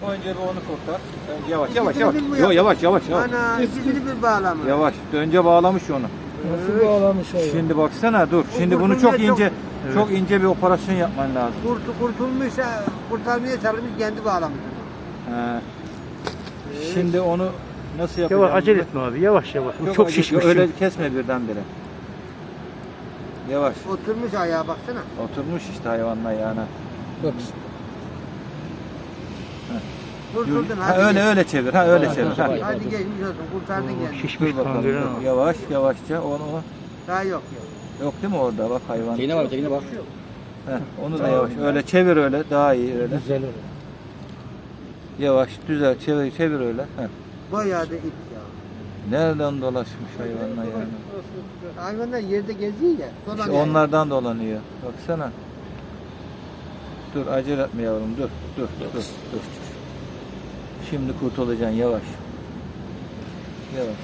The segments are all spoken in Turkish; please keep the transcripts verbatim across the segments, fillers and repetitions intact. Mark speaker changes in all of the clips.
Speaker 1: Önce bir onu kurtar. Yavaş yavaş yavaş. Yok yavaş yavaş yavaş.
Speaker 2: Ana ikisini bir bağlama.
Speaker 1: Yavaş. Önce bağlamış onu.
Speaker 3: Nasıl bağlamış hayvan?
Speaker 1: Şimdi baksana dur. Şimdi bunu çok ince çok ince bir operasyon yapman lazım.
Speaker 2: Kurtu kurtulmuşsa kurtarmaya çalışmış kendi bağlamış.
Speaker 1: He. Şimdi onu nasıl yapacağım?
Speaker 4: Yavaş acele etme abi. Yavaş yavaş. Bu çok
Speaker 1: acele-
Speaker 4: şişmiş.
Speaker 1: Öyle kesme birdenbire. Yavaş.
Speaker 2: Oturmuş ayağa baksana.
Speaker 1: Oturmuş işte hayvanla ayağına.
Speaker 3: Bak.
Speaker 2: Kurtuldun
Speaker 1: Ha,
Speaker 2: hadi.
Speaker 1: öyle
Speaker 2: gel.
Speaker 1: öyle çevir. Ha öyle çevir. Ha.
Speaker 2: Hadi geçmiş olsun kurtardın
Speaker 4: Oo,
Speaker 2: kendini.
Speaker 4: şişmiş
Speaker 1: Dur bakalım.
Speaker 4: kangren
Speaker 1: dur.
Speaker 4: ama.
Speaker 1: Yavaş yavaşça onu
Speaker 2: Daha yok yok.
Speaker 1: yok değil mi orada bak hayvan.
Speaker 5: Tekine var, tekine bak.
Speaker 1: Heh, onu da yavaş. Öyle çevir öyle daha iyi öyle.
Speaker 3: Güzel olur.
Speaker 1: Yavaş düzel çevir çevir öyle. Heh.
Speaker 2: Bayağı da ip ya.
Speaker 1: Nereden dolaşmış hayvanla yani?
Speaker 2: Hayvanlar yerde geziyor ya.
Speaker 1: İşte
Speaker 2: Dolanıyor.
Speaker 1: onlardan dolanıyor. Baksana. Dur acele etme yavrum dur. Dur dur dur. dur. Şimdi kurtulacaksın yavaş. Yavaş.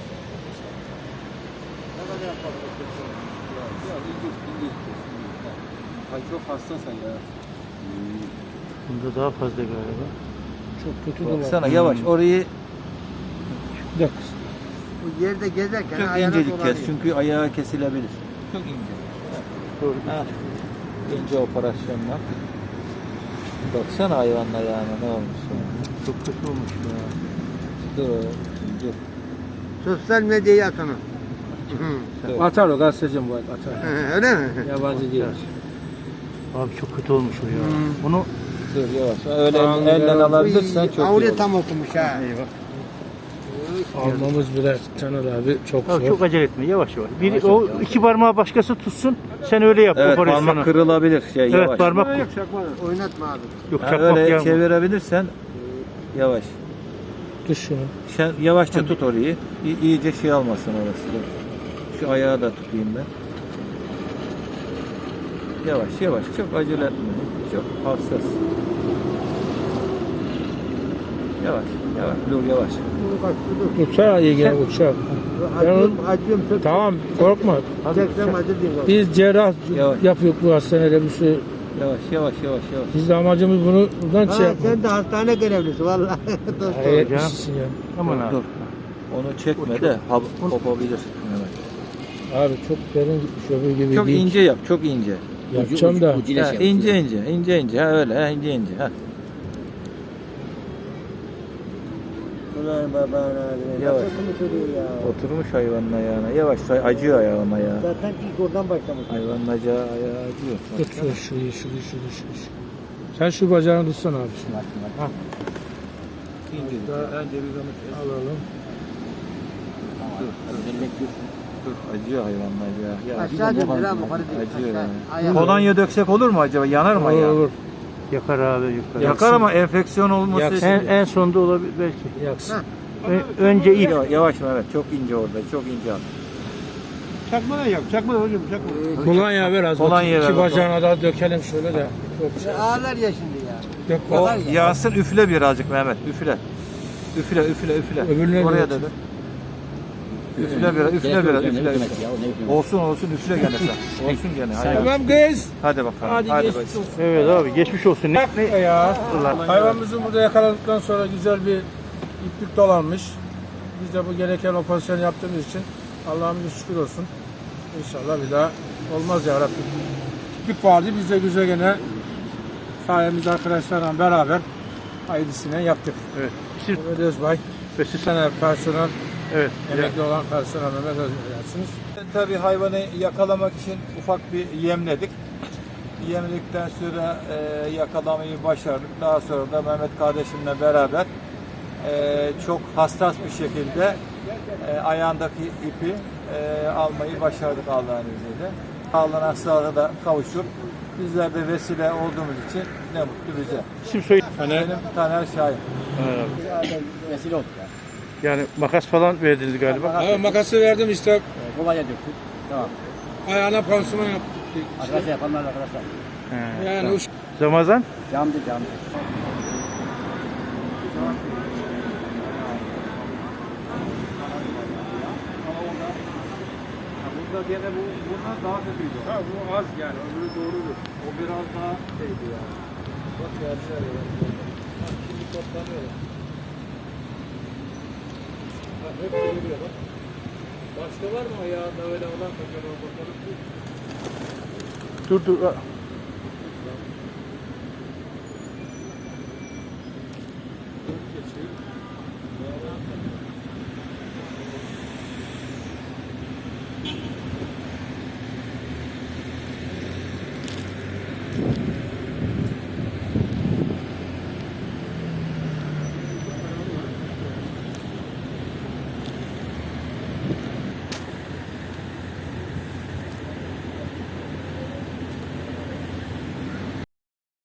Speaker 5: Ay çok hastasın ya.
Speaker 4: Bunda daha fazla galiba.
Speaker 3: Çok kötü dolar.
Speaker 1: Baksana yavaş orayı
Speaker 3: Bir dakika.
Speaker 2: Bu yerde gezerken
Speaker 1: çok
Speaker 2: ayağına
Speaker 1: incecik
Speaker 2: dolanıyor.
Speaker 1: kes çünkü ayağı kesilebilir. Çok ince.
Speaker 4: Doğru.
Speaker 1: Ha. İnce operasyonla. Baksana hayvanla yani ne olmuş ya.
Speaker 4: Çok kötü olmuş ya.
Speaker 1: Dur oğlum, dur.
Speaker 2: Sosyal medyaya at onu.
Speaker 1: dur.
Speaker 3: Atar o gazetecim bu arada atar.
Speaker 2: Öyle mi?
Speaker 3: Yabancı değil.
Speaker 4: Abi çok kötü olmuş o ya. Bunu
Speaker 1: Dur yavaş. Öyle
Speaker 3: Tamam,
Speaker 1: elden
Speaker 3: ben-
Speaker 1: alabilirsen çok iyi
Speaker 2: Avruya
Speaker 1: olur.
Speaker 2: tam okumuş ha.
Speaker 3: Almamız bile Caner abi çok
Speaker 4: abi
Speaker 3: zor.
Speaker 4: çok acele etme. Yavaş yavaş. Bir o iki parmağı başkası tutsun. Sen öyle yap
Speaker 1: Evet
Speaker 4: operasyonu.
Speaker 1: parmak kırılabilir şey
Speaker 4: Evet
Speaker 1: yavaş.
Speaker 4: parmak
Speaker 2: Oynatma abi.
Speaker 4: yok
Speaker 1: Ha,
Speaker 4: çakmak
Speaker 1: öyle
Speaker 4: yağmur.
Speaker 1: çevirebilirsen yavaş.
Speaker 3: Tut şunu.
Speaker 1: Sen yavaşça tut orayı. İyi, iyice şey almasın orası. Dur. Şu ayağı da tutayım ben. Yavaş yavaş çok acele etme. Çok hassas. Yavaş yavaş dur yavaş.
Speaker 3: Uçağa iyi gel uçağa.
Speaker 2: Acıyorum, acıyorum. Çok
Speaker 3: Tamam korkma.
Speaker 2: çeksem acır diyeyim.
Speaker 3: Biz cerrah
Speaker 1: Yavaş.
Speaker 3: yapıyoruz bu hastanede bir şey.
Speaker 1: Yavaş yavaş yavaş yavaş.
Speaker 3: Biz de amacımız bunu buradan
Speaker 2: Ha,
Speaker 3: şey yapmak.
Speaker 2: sen de hastane görevlisi vallahi. Dostum.
Speaker 3: Hayret
Speaker 4: canım.
Speaker 3: işsin ya.
Speaker 4: Aman
Speaker 1: Dur,
Speaker 4: abi.
Speaker 1: dur. Onu çekme de hap, kopabilir. Evet.
Speaker 3: Abi çok derin gitmiş öbür gibi
Speaker 1: Çok
Speaker 3: değil.
Speaker 1: ince yap, çok ince.
Speaker 3: Yapacağım da.
Speaker 5: Ucuyla
Speaker 1: Ha,
Speaker 5: şey yapıyor.
Speaker 1: ince ince, ince ince. Ha öyle, ha ince ince. Ha.
Speaker 2: Ulan babana.
Speaker 1: Yavaş.
Speaker 2: Nasıl söylüyor ya?
Speaker 1: Oturmuş hayvanın ayağına. Yavaş, acıyor ayağına ya.
Speaker 2: Zaten ilk oradan başlamış.
Speaker 1: Hayvanın ayağı, ayağı acıyor.
Speaker 3: Tut şu şurayı şurayı şurayı şurayı. Sen şu bacağını tutsana abi. Şimdi. Ha,
Speaker 1: İnce. Önce bir onu kes.
Speaker 3: alalım.
Speaker 1: Dur, dur. Dur, acıyor hayvanın ayağı. Ya,
Speaker 2: Aşağı döndür ha yukarı değil.
Speaker 1: acıyor
Speaker 2: Aşağı.
Speaker 1: yani.
Speaker 2: Ayağı.
Speaker 1: Kolonya döksek olur mu acaba? Yanar mı
Speaker 3: Olur
Speaker 1: ayağı?
Speaker 3: olur.
Speaker 4: Yakar abi yakar.
Speaker 1: Yakar ama enfeksiyon olması
Speaker 3: Yaksın.
Speaker 1: için.
Speaker 4: En, en sonda olabilir belki.
Speaker 3: Yaksın.
Speaker 4: Ö- önce ip.
Speaker 1: Yavaş, yavaş Mehmet, çok ince orada, çok ince al.
Speaker 5: Çakmadan yap, çakmadan hocam, çakmadan.
Speaker 3: Kolonya ver az.
Speaker 1: Kolonya
Speaker 3: bakayım.
Speaker 1: ver
Speaker 3: İki
Speaker 1: bakalım.
Speaker 3: bacağına da dökelim şöyle de. Çok şey.
Speaker 2: Ağlar ya şimdi ya.
Speaker 3: Dök
Speaker 1: O
Speaker 3: bak.
Speaker 1: yağsın üfle birazcık Mehmet, üfle. Üfle, üfle, üfle.
Speaker 3: Öbürüne
Speaker 1: Oraya
Speaker 3: de
Speaker 1: da dök. Üfle biraz, üfle biraz, üfle. Olsun olsun üfle gene sen. Olsun gene. Hadi,
Speaker 3: Tamam kız.
Speaker 1: hadi bakalım.
Speaker 3: Hadi,
Speaker 1: Hadi,
Speaker 3: geçmiş
Speaker 1: bakalım.
Speaker 3: olsun.
Speaker 4: Evet abi geçmiş olsun. Ne?
Speaker 3: Ne ya? Hayvanımızı burada yakaladıktan sonra güzel bir iplik dolanmış. Biz de bu gereken operasyonu yaptığımız için Allah'ımıza şükür olsun. İnşallah bir daha olmaz ya Rabbim. İplik vardı biz de güzel gene sayemizde arkadaşlarla beraber hayırlısını yaptık.
Speaker 4: Evet. Siz,
Speaker 3: Mehmet Özbay,
Speaker 4: ve siz,
Speaker 3: sene personel,
Speaker 4: evet.
Speaker 3: emekli olan personel Mehmet Özbay'sınız.
Speaker 1: Tabii hayvanı yakalamak için ufak bir yemledik. Yemledikten sonra e, yakalamayı başardık. Daha sonra da Mehmet kardeşimle beraber e, çok hassas bir şekilde e, ayağındaki ipi e, almayı başardık Allah'ın izniyle. Allah'ın sağlığı da kavuşup bizler de vesile olduğumuz için ne mutlu bize.
Speaker 4: İsim soy.
Speaker 1: Benim Taner Şahin.
Speaker 5: Vesile olduk ya.
Speaker 4: Yani makas falan verdiniz galiba.
Speaker 3: Evet, makası verdim işte
Speaker 5: Kolonya döktük. Tamam.
Speaker 3: ayağına pansuman yaptık.
Speaker 5: Arkadaşlar yapanlar arkadaşlar.
Speaker 4: He,
Speaker 3: Yani
Speaker 4: tamam.
Speaker 3: uç.
Speaker 4: Ramazan.
Speaker 5: Camdı, camdı.
Speaker 1: Burada gene bu bundan daha kötüydü.
Speaker 3: Ha, bu az yani, öbürü doğrudur.
Speaker 1: O biraz daha şeydi yani. Bak ya, şöyle. toplanıyorlar. Bak hep geliyor bak. Başka var mı ayağında öyle olan bakalım bakalım.
Speaker 4: Dur dur.